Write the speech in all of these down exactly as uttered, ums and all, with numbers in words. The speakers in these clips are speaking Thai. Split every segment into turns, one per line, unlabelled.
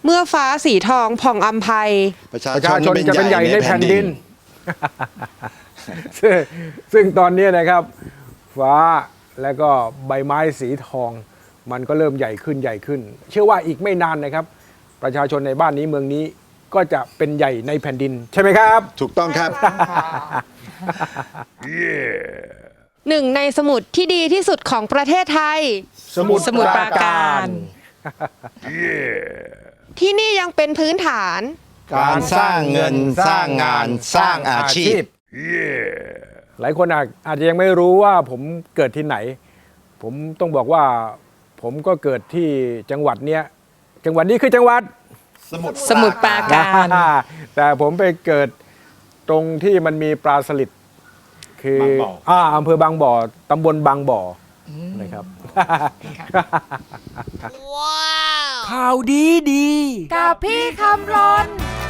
เมื่อฟ้าสีทองผ่องอำไพ
ประชา
ประชาช
ช
น
น
จะเป็นใหญ่ในแผ่นดิน ซึ่งซึ่งตอนนี้นะครับ ฟ้าและก็ใบไม้สีทอง มันก็เริ่มใหญ่ขึ้นใหญ่ขึ้น เชื่อว่าอีกไม่นานนะครับ ประชาชนในบ้านนี้เมืองนี้ก็จะเป็นใหญ่ในแผ่นดิน ใช่ไหมครับ
ถูกต้องครับ
หนึ่งในสมุดที่ดีที่สุดของประเทศไทย
สมุทร
สมุทรปราการ ที่นี่ยังเป็นพื้นฐาน
การสร้างเงินสร้างงานสร้างอาชีพ
หลายคนอาจอาจจะยังไม่รู้ว่าผมเกิดที่ไหน ผมต้องบอกว่าผมก็เกิดที่จังหวัดเนี้ยจังหวัดนี้คือจังหวัด
สมุทร
สมุทรปราการ
แต่ผมไปเกิดตรงที่มันมีปลาสลิดคือบ
างบ่อ
อ่าอำเภอบางบ่อตำบลบางบ่ออนะครับ ข่าวดีดี
กับพี่คำรน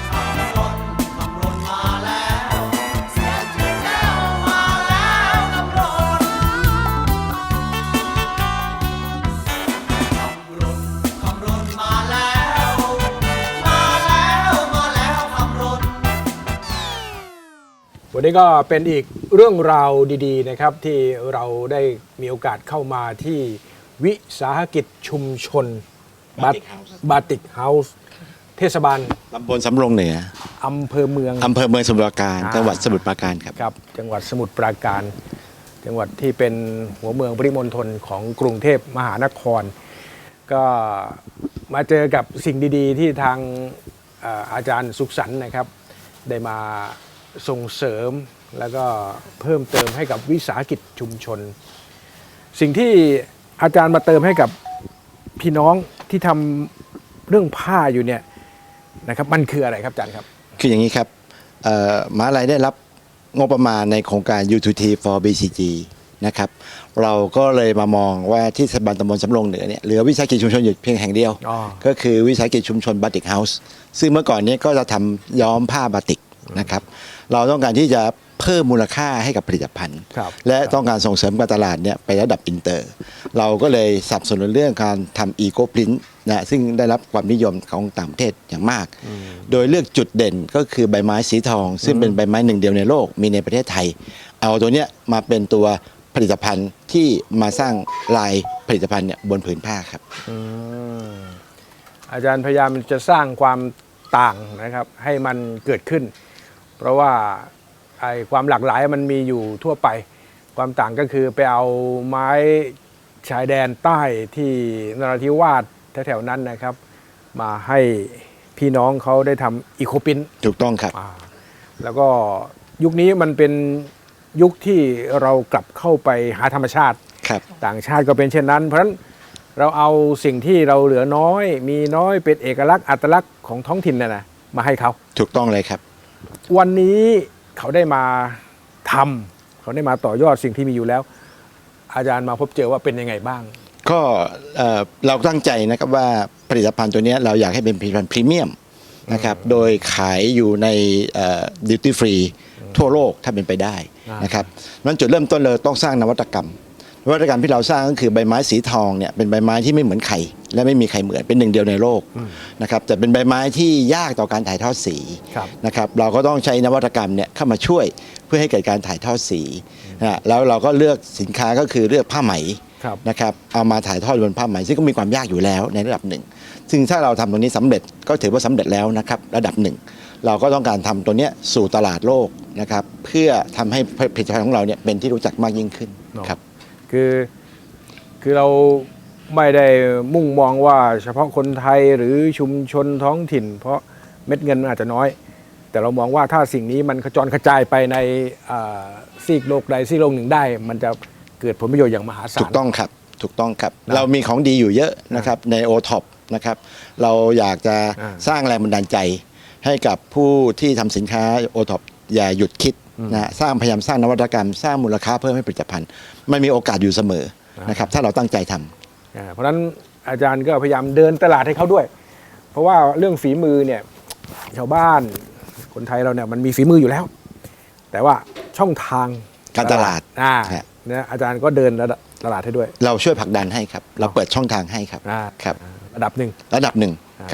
วันนี้ก็เป็นอีกเรื่องราวดีๆนะครับที่เราได้มีโอกาสเข้ามาที่วิสาหกิจชุมชน
Batik House
บาติกเฮาส์เทศบาล
ตำบลสำโรงเหนือ
อำเภอเมือง
อำเภอเมืองสมุทรปราการ
อ่า
จังหวัดสมุทรปราการครับ
ครับจังหวัดสมุทรปราการ จังหวัดที่เป็นหัวเมืองปริมณฑลของกรุงเทพมหานคร ก็มาเจอกับสิ่งดีๆ ที่ทางเอ่ออาจารย์สุขสันต์นะครับ ได้มาส่งเสริมแล้วก็เพิ่มเติมให้กับวิสาหกิจชุมชน สิ่งที่อาจารย์มาเติมให้กับพี่น้องที่ทำเรื่องผ้าอยู่เนี่ยนะครับมันคืออะไรครับอาจารย์ครับ
คืออย่างนี้ครับเอ่อมหาลัยได้รับงบประมาณในโครงการ ยู ทู ที for บี ซี จี นะครับ เราก็เลยมามองว่าที่เทศบาลตำบลสำโรงเหนือเนี่ยเหลือวิสาหกิจชุมชนอยู่เพียงแห่งเดียว
อ๋อ
ก็คือวิสาหกิจชุมชนบาติกเฮาส์ซึ่งเมื่อก่อนเนี้ก็จะทำย้อมผ้าบาติกนะครับ เราต้องการที่จะเพิ่มมูลค่าให้กับผลิตภัณฑ์
ครับ
และต้องการส่งเสริมการตลาดเนี่ยไประดับอินเตอร์ เราก็เลยสนับสนุนเรื่องการทำอีโคพรินต์นะซึ่งได้รับความนิยมของต่างประเทศอย่างมาก โดยเลือกจุดเด่นก็คือใบไม้สีทอง ซึ่งเป็นใบไม้หนึ่งเดียวในโลกมีในประเทศไทย เอาตัวเนี้ยมาเป็นตัวผลิตภัณฑ์ที่มาสร้างลายผลิตภัณฑ์เนี่ยบนผืนผ้าครับ
อืมอาจารย์พยายามจะสร้างความต่างนะครับให้มันเกิดขึ้น เพราะว่าไอ้ความหลากหลายมันมีอยู่ทั่วไป ความต่างก็คือไปเอาไม้ชายแดนใต้ที่นราธิวาสแถวๆนั้นนะครับ มาให้พี่น้องเขาได้ทำอีโคปิน
ถูกต้องครับ
อ่าแล้วก็ยุคนี้มันเป็นยุคที่เรากลับเข้าไปหาธรรมชาติ
ครับ
ต่างชาติก็เป็นเช่นนั้น เพราะฉะนั้นเราเอาสิ่งที่เราเหลือน้อย มีน้อยเป็นเอกลักษณ์อัตลักษณ์ของท้องถิ่นน่ะนะมาให้เขา
ถูกต้องเลยครับ
วันนี้เขาได้มาทำเขาได้มาต่อยอดสิ่งที่มีอยู่แล้ว อาจารย์มาพบเจอว่าเป็นยังไงบ้าง
ก็เอ่อเราตั้งใจนะครับว่าผลิตภัณฑ์ตัวเนี้ยเราอยากให้เป็นผลิตภัณฑ์พรีเมียมนะครับโดยขายอยู่ในดิวตี้ฟรีทั่วโลกถ้าเป็นไปได้
อ่าน
นะครับนั้นจุดเริ่มต้นเลยต้องสร้างนวัตกรรม นวัตกรรมที่เราสร้างก็คือใบไม้สีทองเนี่ยเป็นใบไม้ที่ไม่เหมือนใครและไม่มีใครเหมือนเป็นหนึ่งเดียวในโลกนะครับแต่เป็นใบไม้ที่ยากต่อการถ่ายทอดสี
ครับ
นะครับเราก็ต้องใช้นวัตกรรมเนี่ยเข้ามาช่วยเพื่อให้เกิดการถ่ายทอดสีนะฮะแล้วเราก็เลือกสินค้าก็คือเลือกผ้าไหม
ครับ
นะครับเอามาถ่ายทอดบนผ้าไหมซึ่งก็มีความยากอยู่แล้วในระดับหนึ่ง ซึ่งถ้าเราทำตรงนี้สำเร็จก็ถือว่าสำเร็จแล้วนะครับระดับหนึ่ง เราก็ต้องการทำตัวเนี้ยสู่ตลาดโลกนะครับเพื่อทำให้ผลิตภัณฑ์ของเราเนี่ยเป็นที่รู้จักมากยิ่งขึ้น
เนาะ
ครับ
คือคือเราไม่ได้มุ่งมองว่าเฉพาะคนไทยหรือชุมชนท้องถิ่น เพราะเม็ดเงินมันอาจจะน้อย แต่เรามองว่าถ้าสิ่งนี้มันกระจรกระจายไปในอ่าซีกโลกใดซีกโลกหนึ่งได้ มันจะเกิดผลประโยชน์อย่างมหาศาล
ถูกต้องครับถูกต้องครับ
นะ
เรามีของดีอยู่เยอะนะครับในโอท็อปนะครับเราอยากจะ
อ่า
สร้างแรงบันดาลใจให้กับผู้ที่ทำสินค้าโอท็อปอย่าหยุดคิดนะสร้างพยายามสร้างนวัตกรรม สร้างมูลค่าเพิ่มให้ผลิตภัณฑ์มันมีโอกาสอยู่เสมอนะครับถ้าเราตั้งใจทำ
อ่าเพราะฉะนั้นอาจารย์ก็พยายามเดินตลาดให้เขาด้วย เพราะว่าเรื่องฝีมือเนี่ยชาวบ้านคนไทยเราเนี่ยมันมีฝีมืออยู่แล้ว แต่ว่าช่องทาง
การตลาด
อ่า
ฮะ
เนี่ยอาจารย์ก็เดินระดับตลาดให้ด้วย
เราช่วยผลักดันให้ครับ เราเปิดช่องทางให้ครับ
อ่า
ครับ
ระดับหนึ่ง
ระดับหนึ่ง
อ่า
ครับ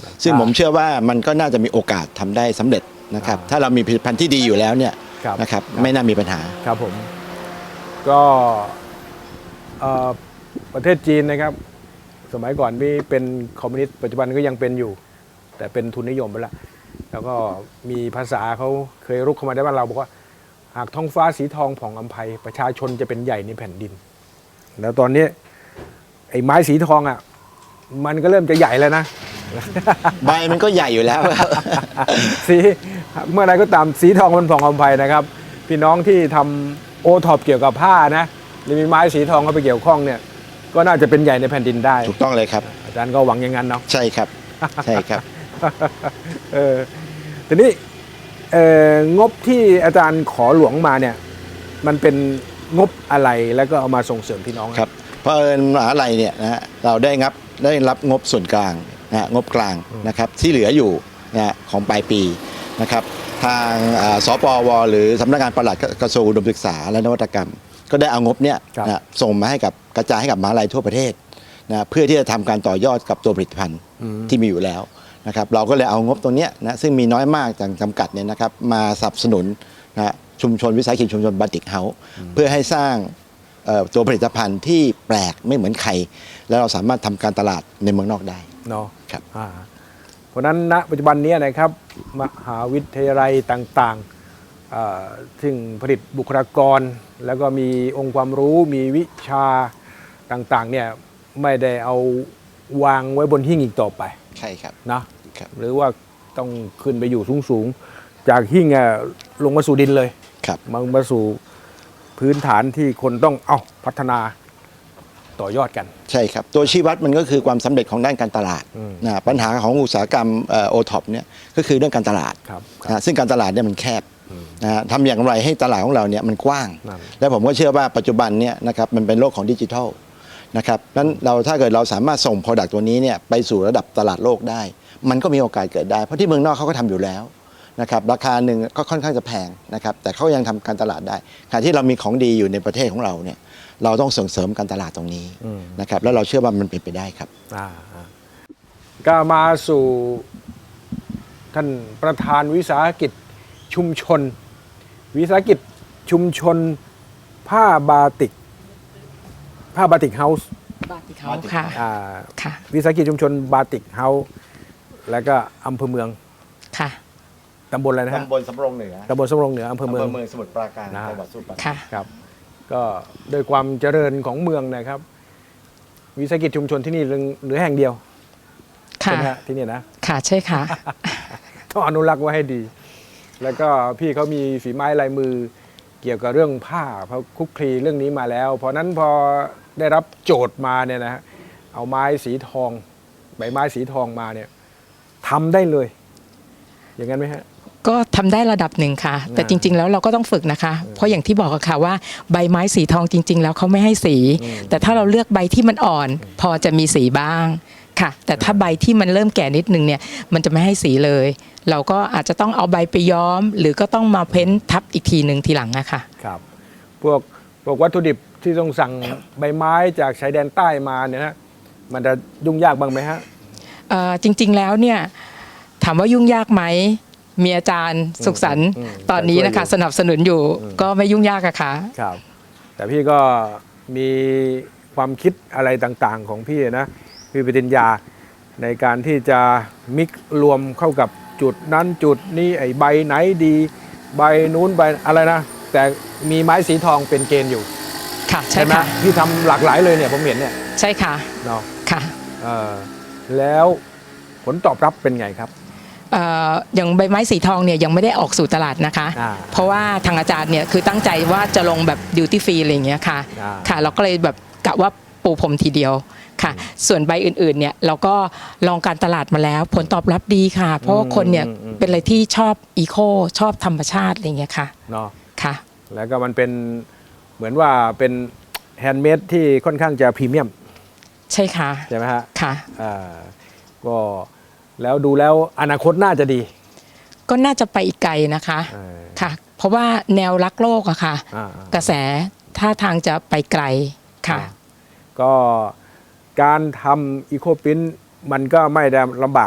ซึ่งผมเชื่อว่ามันก็น่าจะมีโอกาสทำได้สำเร็จนะครับ
อ่า
ถ้าเรามีผลิตภัณฑ์ที่ดีอยู่แล้วเนี่ย
ครับ
นะครับไม่น่ามีปัญหา
ครับผมก็เอ่อประเทศจีนนะครับ สมัยก่อนนี่เป็นคอมมิวนิสต์ปัจจุบันก็ยังเป็นอยู่ แต่เป็นทุนนิยมไปแล้วแล้วก็มีภาษาเขาเคยรุกเข้ามาได้บ้านเราบอกว่า หากท้องฟ้าสีทองผ่องอำไพประชาชนจะเป็นใหญ่ในแผ่นดิน แล้วตอนนี้ไอ้ไม้สีทองอ่ะมันก็เริ่มจะใหญ่แล้วนะ
ใบมันก็ใหญ่อยู่แล้ว
สีเมื่อไรก็ตามสีทองมันผ่องอำไพนะครับพี่น้องที่ทำโอท็อปเกี่ยวกับผ้านะหรือมีไม้สีทองเข้าไปเกี่ยวข้องเนี่ยก็น่าจะเป็นใหญ่ในแผ่นดินได้
ถูกต้องเลยครับ
อาจารย์ก็หวังอย่างนั้นเนาะ
ใช่ครับใช่ครับ
เออทีนี้เอ่องบที่อาจารย์ขอหลวงมาเนี่ยมันเป็นงบอะไรแล้วก็เอามาส่งเสริมพี่น้อง
ครับเพราะเอิญมหาลัยเนี่ยนะฮะเราได้รับได้รับงบส่วนกลางนะฮะงบกลางนะครับที่เหลืออยู่นะฮะของปลายปีนะครับทางอ่าสปวหรือสำนักงานปลัดกระทรวงอุดมศึกษาและนวัตกรรม ก็ได้เอางบเนี้ยนะฮะส่งมาให้กับกระจายให้กับมหาลัยทั่วประเทศนะเพื่อที่จะทำการต่อยอดกับตัวผลิตภัณฑ์ที่มีอยู่แล้วนะครับเราก็เลยเอางบตรงเนี้ยนะซึ่งมีน้อยมากจากจำกัดเนี่ยนะครับมาสนับสนุนนะฮะชุมชนวิสาหกิจชุมชนบาติกเฮาส์เพื่อให้สร้างเอ่อตัวผลิตภัณฑ์ที่แปลกไม่เหมือนใคร แล้วเราสามารถทำการตลาดในเมืองนอกได้
เนาะ
ครับ
อ่าเพราะฉะนั้นณปัจจุบันนี้นะครับมหาวิทยาลัยต่างๆอ่าซึ่งผลิตบุคลากร แล้วก็มีองค์ความรู้มีวิชาต่างๆเนี่ยไม่ได้เอาวางไว้บนหิ้งอีกต่อไป
ใช่ครับ
นะครับ หรือว่าต้องขึ้นไปอยู่สูงๆจากหิ้งอะลงมาสู่ดินเลย
ครับ
มามาสู่พื้นฐานที่คนต้องเอาพัฒนาต่อยอดกัน
ใช่ครับตัวชี้วัดมันก็คือความสำเร็จของด้านการตลาด
อืม
นะปัญหาของอุตสาหกรรมโอท็อปเนี่ยก็คือเรื่องการตลาด
ครับ
นะซึ่งการตลาดเนี่ยมันแคบนะฮะทำอย่างไรให้ตลาดของเราเนี่ยมันกว้าง
นั่น
และผมก็เชื่อว่าปัจจุบันเนี่ยนะครับมันเป็นโลกของดิจิทัลนะครับนั้นเราถ้าเกิดเราสามารถส่ง Product ตัวนี้เนี่ยไปสู่ระดับตลาดโลกได้ มันก็มีโอกาสเกิดได้ เพราะที่เมืองนอกเขาก็ทำอยู่แล้วนะครับราคาหนึ่งก็ค่อนข้างจะแพงนะครับแต่เขายังทำการตลาดได้ขณะที่เรามีของดีอยู่ในประเทศของเราเนี่ยเราต้องส่งเสริมการตลาดตรงนี้นะครับแล้วเราเชื่อว่ามันเป็นไปได้ครับ
อ่าอ่าก็มาสู่ท่านประธานวิสาหกิจชุมชน วิสาหกิจชุมชนผ้าบาติก ผ้าบาติกเฮาส์
บาติกเฮาส์ค่ะ
อ่า
ค่ะ
วิสาหกิจชุมชนบาติกเฮาส์แล้วก็อำเภอเมือง
ค่ะ
ตำบลอะไรนะฮะ
ตำบลสำโรงเหนือ
ตำบลสำโรงเหนืออำเภอเมือง
เมืองสมุทรปราการ
นะ
จังหวัดสมุทรปราการ
ค่ะ
ครับ ก็โดยความเจริญของเมืองนะครับ วิสาหกิจชุมชนที่นี่เหลือแห่งเดียวใช่
ค่ะ
ไหมฮะที่นี่นะ
ค่ะ ใช่ค่ะ
ต้องอนุรักษ์ไว้ให้ดี แล้วก็พี่เขามีฝีไม้ลายมือเกี่ยวกับเรื่องผ้าเขาคลุกคลีเรื่องนี้มาแล้ว เพราะนั้นพอได้รับโจทย์มาเนี่ยนะฮะเอาไม้สีทอง ใบไม้สีทองมาเนี่ยทำได้เลย อย่างนั้นไหมฮะ
ก็ทำได้ระดับหนึ่งค่ะ แต่
อ่า
จริง ๆ แล้วเราก็ต้องฝึกนะคะ เพราะอย่างที่บอกอะค่ะว่าใบไม้สีทองจริง ๆ แล้วเขาไม่ให้สี แต่ถ้าเราเลือกใบที่มันอ่อน พอจะมีสีบ้างค่ะ แต่ถ้าใบที่มันเริ่มแก่นิดนึงเนี่ยมันจะไม่ให้สีเลย เราก็อาจจะต้องเอาใบไปย้อม หรือก็ต้องมาเพ้นทับอีกทีหนึ่งทีหลังอะค่ะ
ครับ พวกพวกวัตถุดิบที่ต้องสั่งใบไม้จากชายแดนใต้มาเนี่ยนะมันจะยุ่งยากบ้างไหมฮะ
เอ่อจริง ๆ แล้วเนี่ยถามว่ายุ่งยากไหมมีอาจารย์สุขสันต์
อืม
ตอนนี้นะคะ
ช่วยอยู่
สนับสนุนอยู่ก็ไม่ยุ่งยากอะค่ะ
ครับ แต่พี่ก็มีความคิดอะไรต่างๆของพี่นะพี่ปริญญาในการที่จะมิกซ์รวมเข้ากับจุดนั้นจุดนี้ไอ้ใบไหนดี ใบนู้นใบอะไรนะ แต่มีไม้สีทองเป็นเกณฑ์อยู่
ค่ะใช่
ไหม
ค่ะ
พี่ทำหลากหลายเลยเนี่ยผมเห็นเนี่ย
ใช่ค่ะ
เนาะ
ค่ะ
เออแล้วผลตอบรับเป็นไงครับ
เอ่ออย่างใบไม้สีทองเนี่ยยังไม่ได้ออกสู่ตลาดนะคะ
อ่า
เพราะว่าทางอาจารย์เนี่ยคือตั้งใจว่าจะลงแบบดิวตี้ฟรีอะไรอย่างเงี้ยค่ะ
อ่า
ค่ะ เราก็เลยแบบกะว่าปูพรมทีเดียวค่ะ ส่วนใบอื่นๆเนี่ยเราก็ลองการตลาดมาแล้ว ผลตอบรับดีค่ะ เพราะว่าคนเนี่ยเป็นอะไรที่ชอบอีโคชอบธรรมชาติอะไรอย่างเงี้ยค่ะ
เนาะ
ค่ะ
แล้วก็มันเป็นเหมือนว่าเป็นแฮนด์เมดที่ค่อนข้างจะพรีเมียม
ใช่ค่ะ
ใช่ไหมฮะ
ค่ะ
อ่าก็แล้วดูแล้วอนาคตน่าจะดี
ก็น่าจะไปอีกไกลนะคะ
เออ
ค่ะ เพราะว่าแนวรักโลกอะค่ะ
อ่า
กระแสท่าทางจะไปไกลค่ะ
ก็การทำอีโคปินมันก็ไม่ได้ลำบาก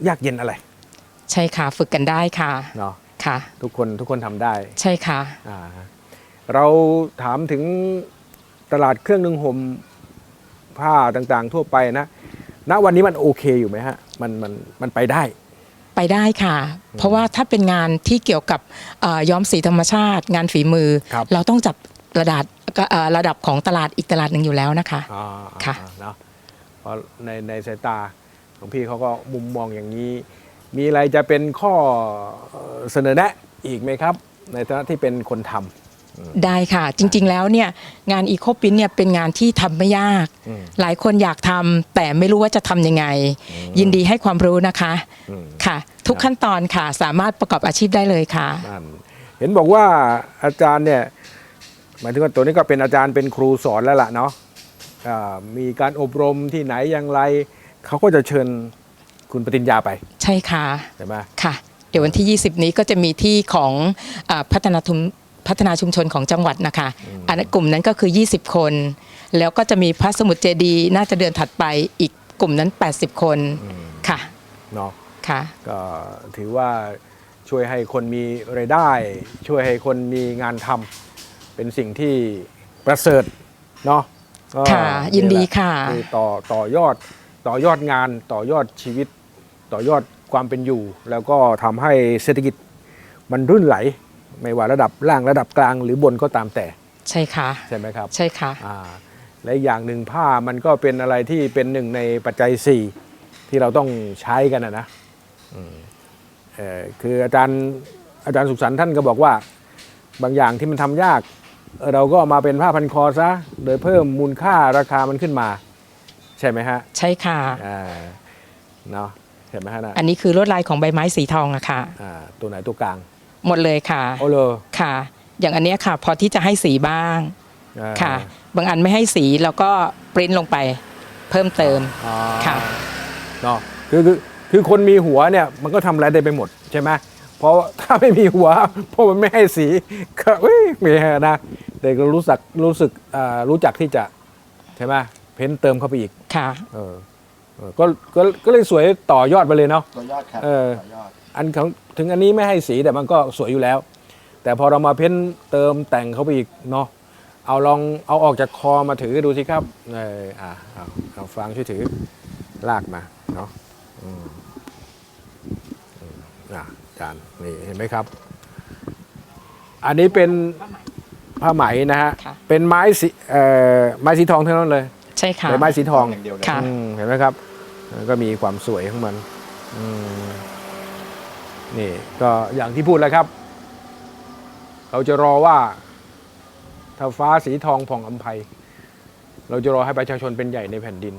ยากเย็นอะไร
ใช่ค่ะฝึกกันได้ค่ะ
เนาะ
ค่ะ
ทุกคนทุกคนทำได้
ใช่ค่ะ
อ่าเราถามถึงตลาดเครื่องนึ่งห่มผ้าต่างๆ ทั่วไปนะณวันนี้มันโอเคอยู่ไหมฮะมันมันมันไปได้
ไปได้ค่ะ เพราะว่าถ้าเป็นงานที่เกี่ยวกับเอ่อย้อมสีธรรมชาติ งานฝีมือ
ครับ
เราต้องจับระดับเอ่อระดับของตลาดอีกตลาดหนึ่งอยู่แล้วนะคะ
อ่า
ค่ะ
อ่าเนาะเพราะในในสายตาของพี่เขาก็มุมมองอย่างนี้ มีอะไรจะเป็นข้อเอ่อเสนอแนะอีกไหมครับ ในฐานะที่เป็นคนทำ
ได้ค่ะ จริงๆแล้วเนี่ยงานอีโคปินเนี่ยเป็นงานที่ทำไม่ยาก
อืม
หลายคนอยากทำแต่ไม่รู้ว่าจะทำยังไง ยินดีให้ความรู้นะคะ
อืม
ค่ะ ทุกขั้นตอนค่ะสามารถประกอบอาชีพได้เลยค่ะ
นั่นเห็นบอกว่าอาจารย์เนี่ยหมายถึงว่าตัวนี้ก็เป็นอาจารย์เป็นครูสอนแล้วล่ะเนาะอ่ามีการอบรมที่ไหนอย่างไร เขาก็จะเชิญคุณปฏิญญาไป
ใช่ค่ะ
ใช่ไหม
ค่ะ เดี๋ยววันที่ ยี่สิบ นี้ก็จะมีที่ของอาพัฒนาทุมพัฒนาชุมชนของจังหวัดนะคะอันนั้นกลุ่มนั้นก็คือ ยี่สิบ คน แล้วก็จะมีพระสมุทรเจดีย์น่าจะเดือนถัดไปอีกกลุ่มนั้น แปดสิบ คนค่ะ
เนาะ
ค่ะ
ก็ถือว่าช่วยให้คนมีรายได้ ช่วยให้คนมีงานทำเป็นสิ่งที่ประเสริฐเนาะก็
ค่ะยินดีค่ะ
คือต่อต่อยอดต่อยอดงานต่อยอดชีวิต ต่อยอดความเป็นอยู่ แล้วก็ทำให้เศรษฐกิจมันรุ่นไหล ไม่ว่าระดับล่างระดับกลางหรือบนก็ตามแต่
ใช่ค่ะ
ใช่ไหมครับ
ใช่ค่ะ
อ่าและอีกอย่างหนึ่งผ้ามันก็เป็นอะไรที่เป็นหนึ่งในปัจจัยสี่ที่เราต้องใช้กันนะนะอืมเอ่อคืออาจารย์อาจารย์สุขสันต์ท่านก็บอกว่าบางอย่างที่มันทำยากเอ่อเราก็เอามาเป็นผ้าพันคอซะโดยเพิ่มมูลค่าราคามันขึ้นมา ใช่ไหมฮะ
ใช่ค่ะ
อ่าเนาะใช่ไหมฮะนะ
อันนี้คือลวดลายของใบไม้สีทองอะค่ะ
อ่าตัวไหนตัวกลาง
หมดเลยค่ะ
โอ้เลย
ค่ะ อย่างอันเนี้ยค่ะ พอที่จะให้สีบ้าง
อ่า
ค่ะ บางอันไม่ให้สีแล้วก็ปริ้นลงไปเพิ่มเติม
อ๋อ
ค่ะ
เนาะคือคือคือคนมีหัวเนี่ยมันก็ทำอะไรได้ไปหมดใช่ไหมเพราะถ้าไม่มีหัวเพราะมันไม่ให้สีก็เอ้ยไม่ฮะนะแต่ก็รู้สึกรู้สึกอ่ารู้จักที่จะใช่ไหมเพ้นเติมเข้าไปอีก
ค่ะ
เออเออก็ก็ก็เลยสวยต่อยอดไปเลยเนาะ
ตัวยอดครับ
เออ
ตัวยอด
อันของถึงอันนี้ไม่ให้สีแต่มันก็สวยอยู่แล้ว แต่พอเรามาเพ้นเติมแต่งเข้าไปอีกเนาะเอาลองเอาออกจากคอมาถือดูสิครับเอออ่าเอาเอาฟางช่วยถือลากมาเนาะอืมอืมอ่ะอาจารย์นี่เห็นไหมครับ อันนี้เป็นผ้าไหมนะฮะ
ค่ะ
เป็นไม้สีเอ่อไม้สีทองทั้งนั้นเลย
ใช่ค่ะ
เป็นไม้สีทอง
อย่างเดียวเลย
ค่ะ
อืมเห็นไหมครับมันก็มีความสวยของมันอืมนี่ก็อย่างที่พูดแล้วครับ เราจะรอว่า ถ้าฟ้าสีทองผ่องอำไพเราจะรอให้ประชาชนเป็นใหญ่ในแผ่นดิน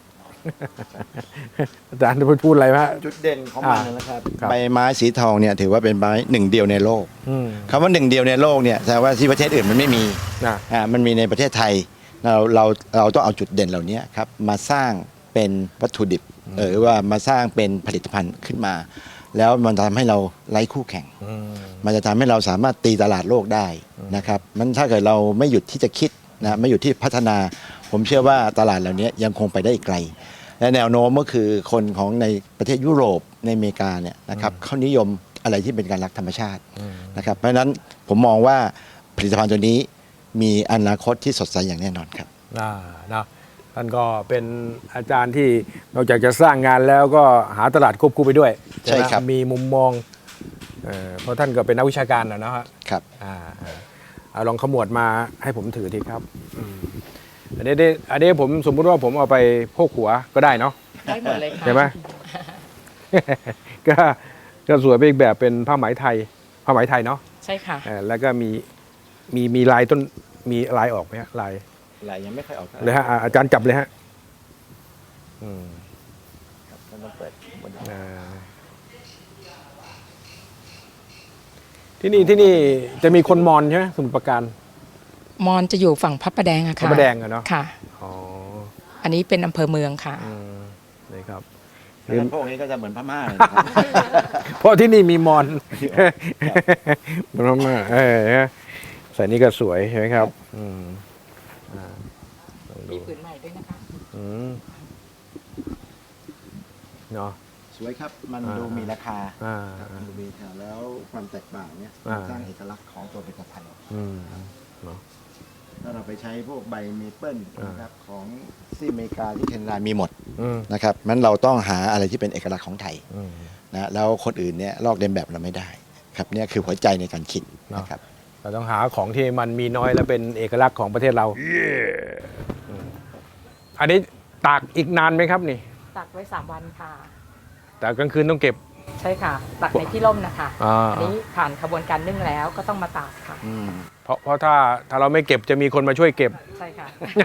อาจารย์จะพูดอะไรไหมฮะ
จุดเด่นของมัน
อ่า
นะครับ
ครับ
ใบไม้สีทองเนี่ยถือว่าเป็นไม้หนึ่งเดียวในโลก
อืม
คำว่าหนึ่งเดียวในโลกเนี่ยแสดงว่าที่ประเทศอื่นมันไม่มี
นะ
อ่ามันมีในประเทศไทยเราเราเราต้องเอาจุดเด่นเหล่านี้ครับมาสร้างเป็นวัตถุดิบเออว่ามาสร้างเป็นผลิตภัณฑ์ขึ้นมา แล้วมันทำให้เราไร้คู่แข่ง
อืม
มันจะทำให้เราสามารถตีตลาดโลกได้นะครับมันถ้าเกิดเราไม่หยุดที่จะคิดนะไม่หยุดที่พัฒนา ผมเชื่อว่าตลาดเหล่านี้ยังคงไปได้อีกไกล และแนวโน้มก็คือคนของในประเทศยุโรปในอเมริกาเนี่ยนะครับเขานิยมอะไรที่เป็นการรักธรรมชาตินะครับเพราะฉะนั้นผมมองว่าผลิตภัณฑ์ตัวนี้มีอนาคตที่สดใสอย่างแน่นอนครับ
อ่านะท่านก็เป็นอาจารย์ที่นอกจากจะสร้างงานแล้วก็หาตลาดควบคู่ไปด้วย
ใช่
ไหม
ครับ
มีมุมมองเอ่อเพราะท่านก็เป็นนักวิชาการนะนะฮะ
ครับ
อ่าอ่าเอาลองขมวดมาให้ผมถือทีครับอืมอันนี้ได้อันนี้ผมสมมุติว่าผมเอาไปโพกหัวก็ได้เนาะ
ได้หมดเลยค่ะ
ใช่ไหม ก็ก็สวยไปอีกแบบเป็นผ้าไหมไทยผ้าไหมไทยเนาะ
ใช่ค่ะ
เอ่อแล้วก็มีมีมีลายต้นมีลายออกไหมฮะลาย
ลายยังไม่ค่อยออก
เลยฮะอ่าอาจารย์จับเลยฮะอืม
ต้องเปิดบน
อ่าที่นี่ที่นี่จะมีคนมอญใช่ไหมสมุทรปราการ
มอนจะอยู่ฝั่งพระประแดงอะ
พระ
ค่ะ
ประแดงอะเนาะ
ค่ะ
อ๋อ
อันนี้เป็นอำเภอเมืองค่ะ
อืมนี่ครับ
พวกนี้ก็จะเหมือนพม่าเลยนะครับ
เพราะที่นี่มีมอนเหมันมากเออใส่นี่ก็สวยใช่ไหมครับ อืมอ่าลองดู
มีผืนใหม่ด้วยนะคะ
อืมเนาะ
สวยครับ มันดูมีราคา
อ่า
ครับมันดูมีราคาแล้วความแตกต่างเนี่ย
อ่า
สร้างเอกลักษณ์ของตัวผลิตภัณฑ์
อืมเนาะ
ถ้าเราไปใช้พวกใบเมเปิล
อ่าน
นะครับของที่อเมริกาที่แคนาดามีหมด
อืม
นะครับมันเราต้องหาอะไรที่เป็นเอกลักษณ์ของไทย
อืม
นะแล้วคนอื่นเนี่ยลอกเลียนแบบเราไม่ได้ครับเนี่ยคือหัวใจในการคิด
เนาะ
นะครับ
เราต้องหาของที่มันมีน้อยและเป็นเอกลักษณ์ของประเทศเราอืมอันนี้ตากอีกนานไหมครับนี่
ตักไว้สามวันค่ะ
แต่กลางคืนต้องเก็บ
ใช่ค่ะ ตักในที่ร่มนะคะ
อ่า
อันนี้ผ่านขบวนการนึ่งแล้วก็ต้องมาตากค่ะ
อืม
เพราะเพราะถ้าถ้าเราไม่เก็บจะมีคนมาช่วยเก็บ
ใช่ค่ะ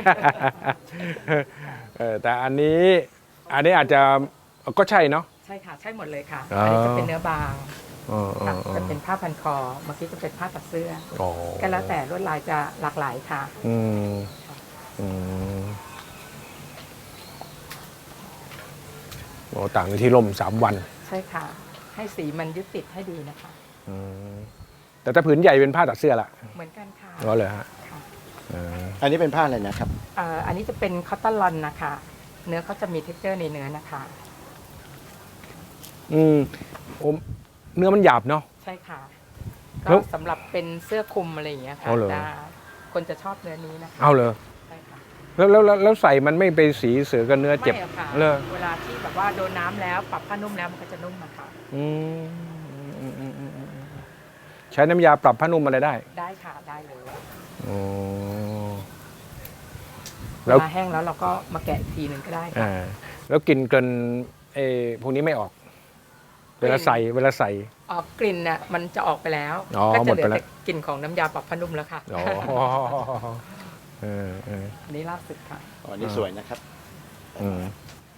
เออแต่อันนี้อันนี้อาจจะก็ใช่เนาะ
ใช่ค่ะ ใช่หมดเลยค่ะ
อ๋ออั
อันนี้จะเป็นเนื้อบาง
อ๋ออ๋อ
ค่ะ
อ๋อ
จะเป็นผ้าพันคอ เมื่อกี้จะเป็นผ้าตัดเสื้อ
อ๋อ
ก็แล้วแต่ลวดลายจะหลากหลายค่ะ
อืมอืมโอ้ต่างกันที่ร่มสามวัน
ใช่ค่ะ ให้สีมันยึดติดให้ดีนะคะ
อืมแต่ถ้าผืนใหญ่เป็นผ้าตัดเสื้อละ
เหมือนกันค่ะ
ก็เลยฮะ
ค่ะ
เออ
อันนี้เป็นผ้าอะไรนะครับ
เอ่ออันนี้จะเป็นคอตตอนลอนนะคะ เนื้อเขาจะมีเท็กเจอร์ในเนื้อนะคะ
อืมโอ้เนื้อมันหยาบเนาะ
ใช่ค่ะ
แล้
ก็
ว
สำหรับเป็นเสื้อคลุมอะไรอย่างเงี้ยค่ะ
อ๋อเหรอ
ได้คนจะชอบเนื้อนี้นะคะ
เอาเลย
ใช่ค่ะ
แล้วแล้วแล้วแล้วใส่มันไม่ไปสีเสือกับเนื้อเจ็บ
ไม่อะค่ะ
เลย
เวลาที่แบบว่าโดนน้ำแล้วปรับผ้านุ่มแล้วมันก็จะนุ่มนะคะ
อืมอืมอืมอืมอืมใช้น้ำยาปรับผ้านุ่มอะไรได้
ได้ค่ะได้เลย
อ๋อ
เว
แล้ว
ลาแห้งแล้วเราก็มาแกะอีกทีหนึ่งก็ได้ค่ะ
อ่าแล้วกลิ่นเกินเออพวกนี้ไม่ออก เวลาใส่เวลาใส่
ออกกลิ่นน่ะมันจะออกไปแล้ว
อ๋อ
ก็
หม
จะ
ด
เหลื
ไป
อ
แล้ว
แต่กลิ่นของน้ำยาปรับผ้านุ่มแล้วค่ะ
อ๋อเออเออ
อันนี้ล่าสุดค่ะ
อ๋อนี่สวยนะครับ
อืม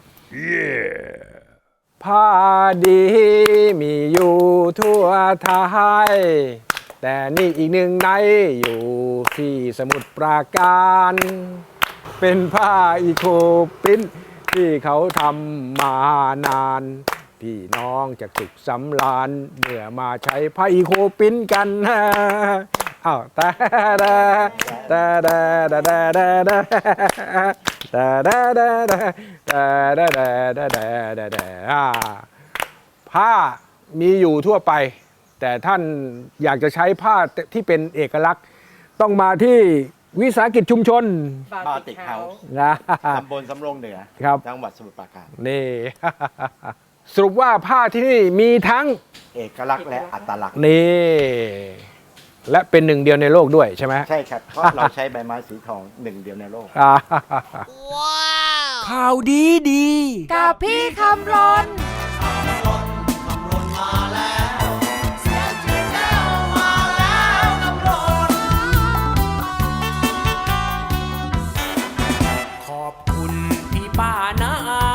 ผ้าดีมีอยู่ทั่วไทย แต่นี่อีกหนึ่งในอยู่ที่สมุทรปราการ เป็นผ้าอีโคปรินท์ที่เขาทำมานาน พี่น้องจะสุขสำราญเมื่อมาใช้ผ้าอีโคปรินท์กันอ้าวแต่แต่แต่แต่แต่แต่แต่แต่แต่แต่แต่แต่แต่แต่แต่แต่แต่ผ้ามีอยู่ทั่วไป แต่ท่านอยากจะใช้ผ้าที่เป็นเอกลักษณ์ ต้องมาที่วิสาหกิจชุมชน
บาติกเฮาส์
นะ
ตำบลสำโรงเหนือ
ครับ
จังหวัดสมุทรปราการ
นี่ สรุปว่าผ้าที่นี่มีทั้ง
เอกลักษณ์และอัตลักษณ์
นี่ และเป็นหนึ่งเดียวในโลกด้วยใช่ไหม
ใช่ครับ เพราะเราใช้ใบไม้สีทองหนึ่งเดียวในโลก
อ่าข่าวดีดี
กับพี่คำรน
ขอบคุณพี่ป้านาอา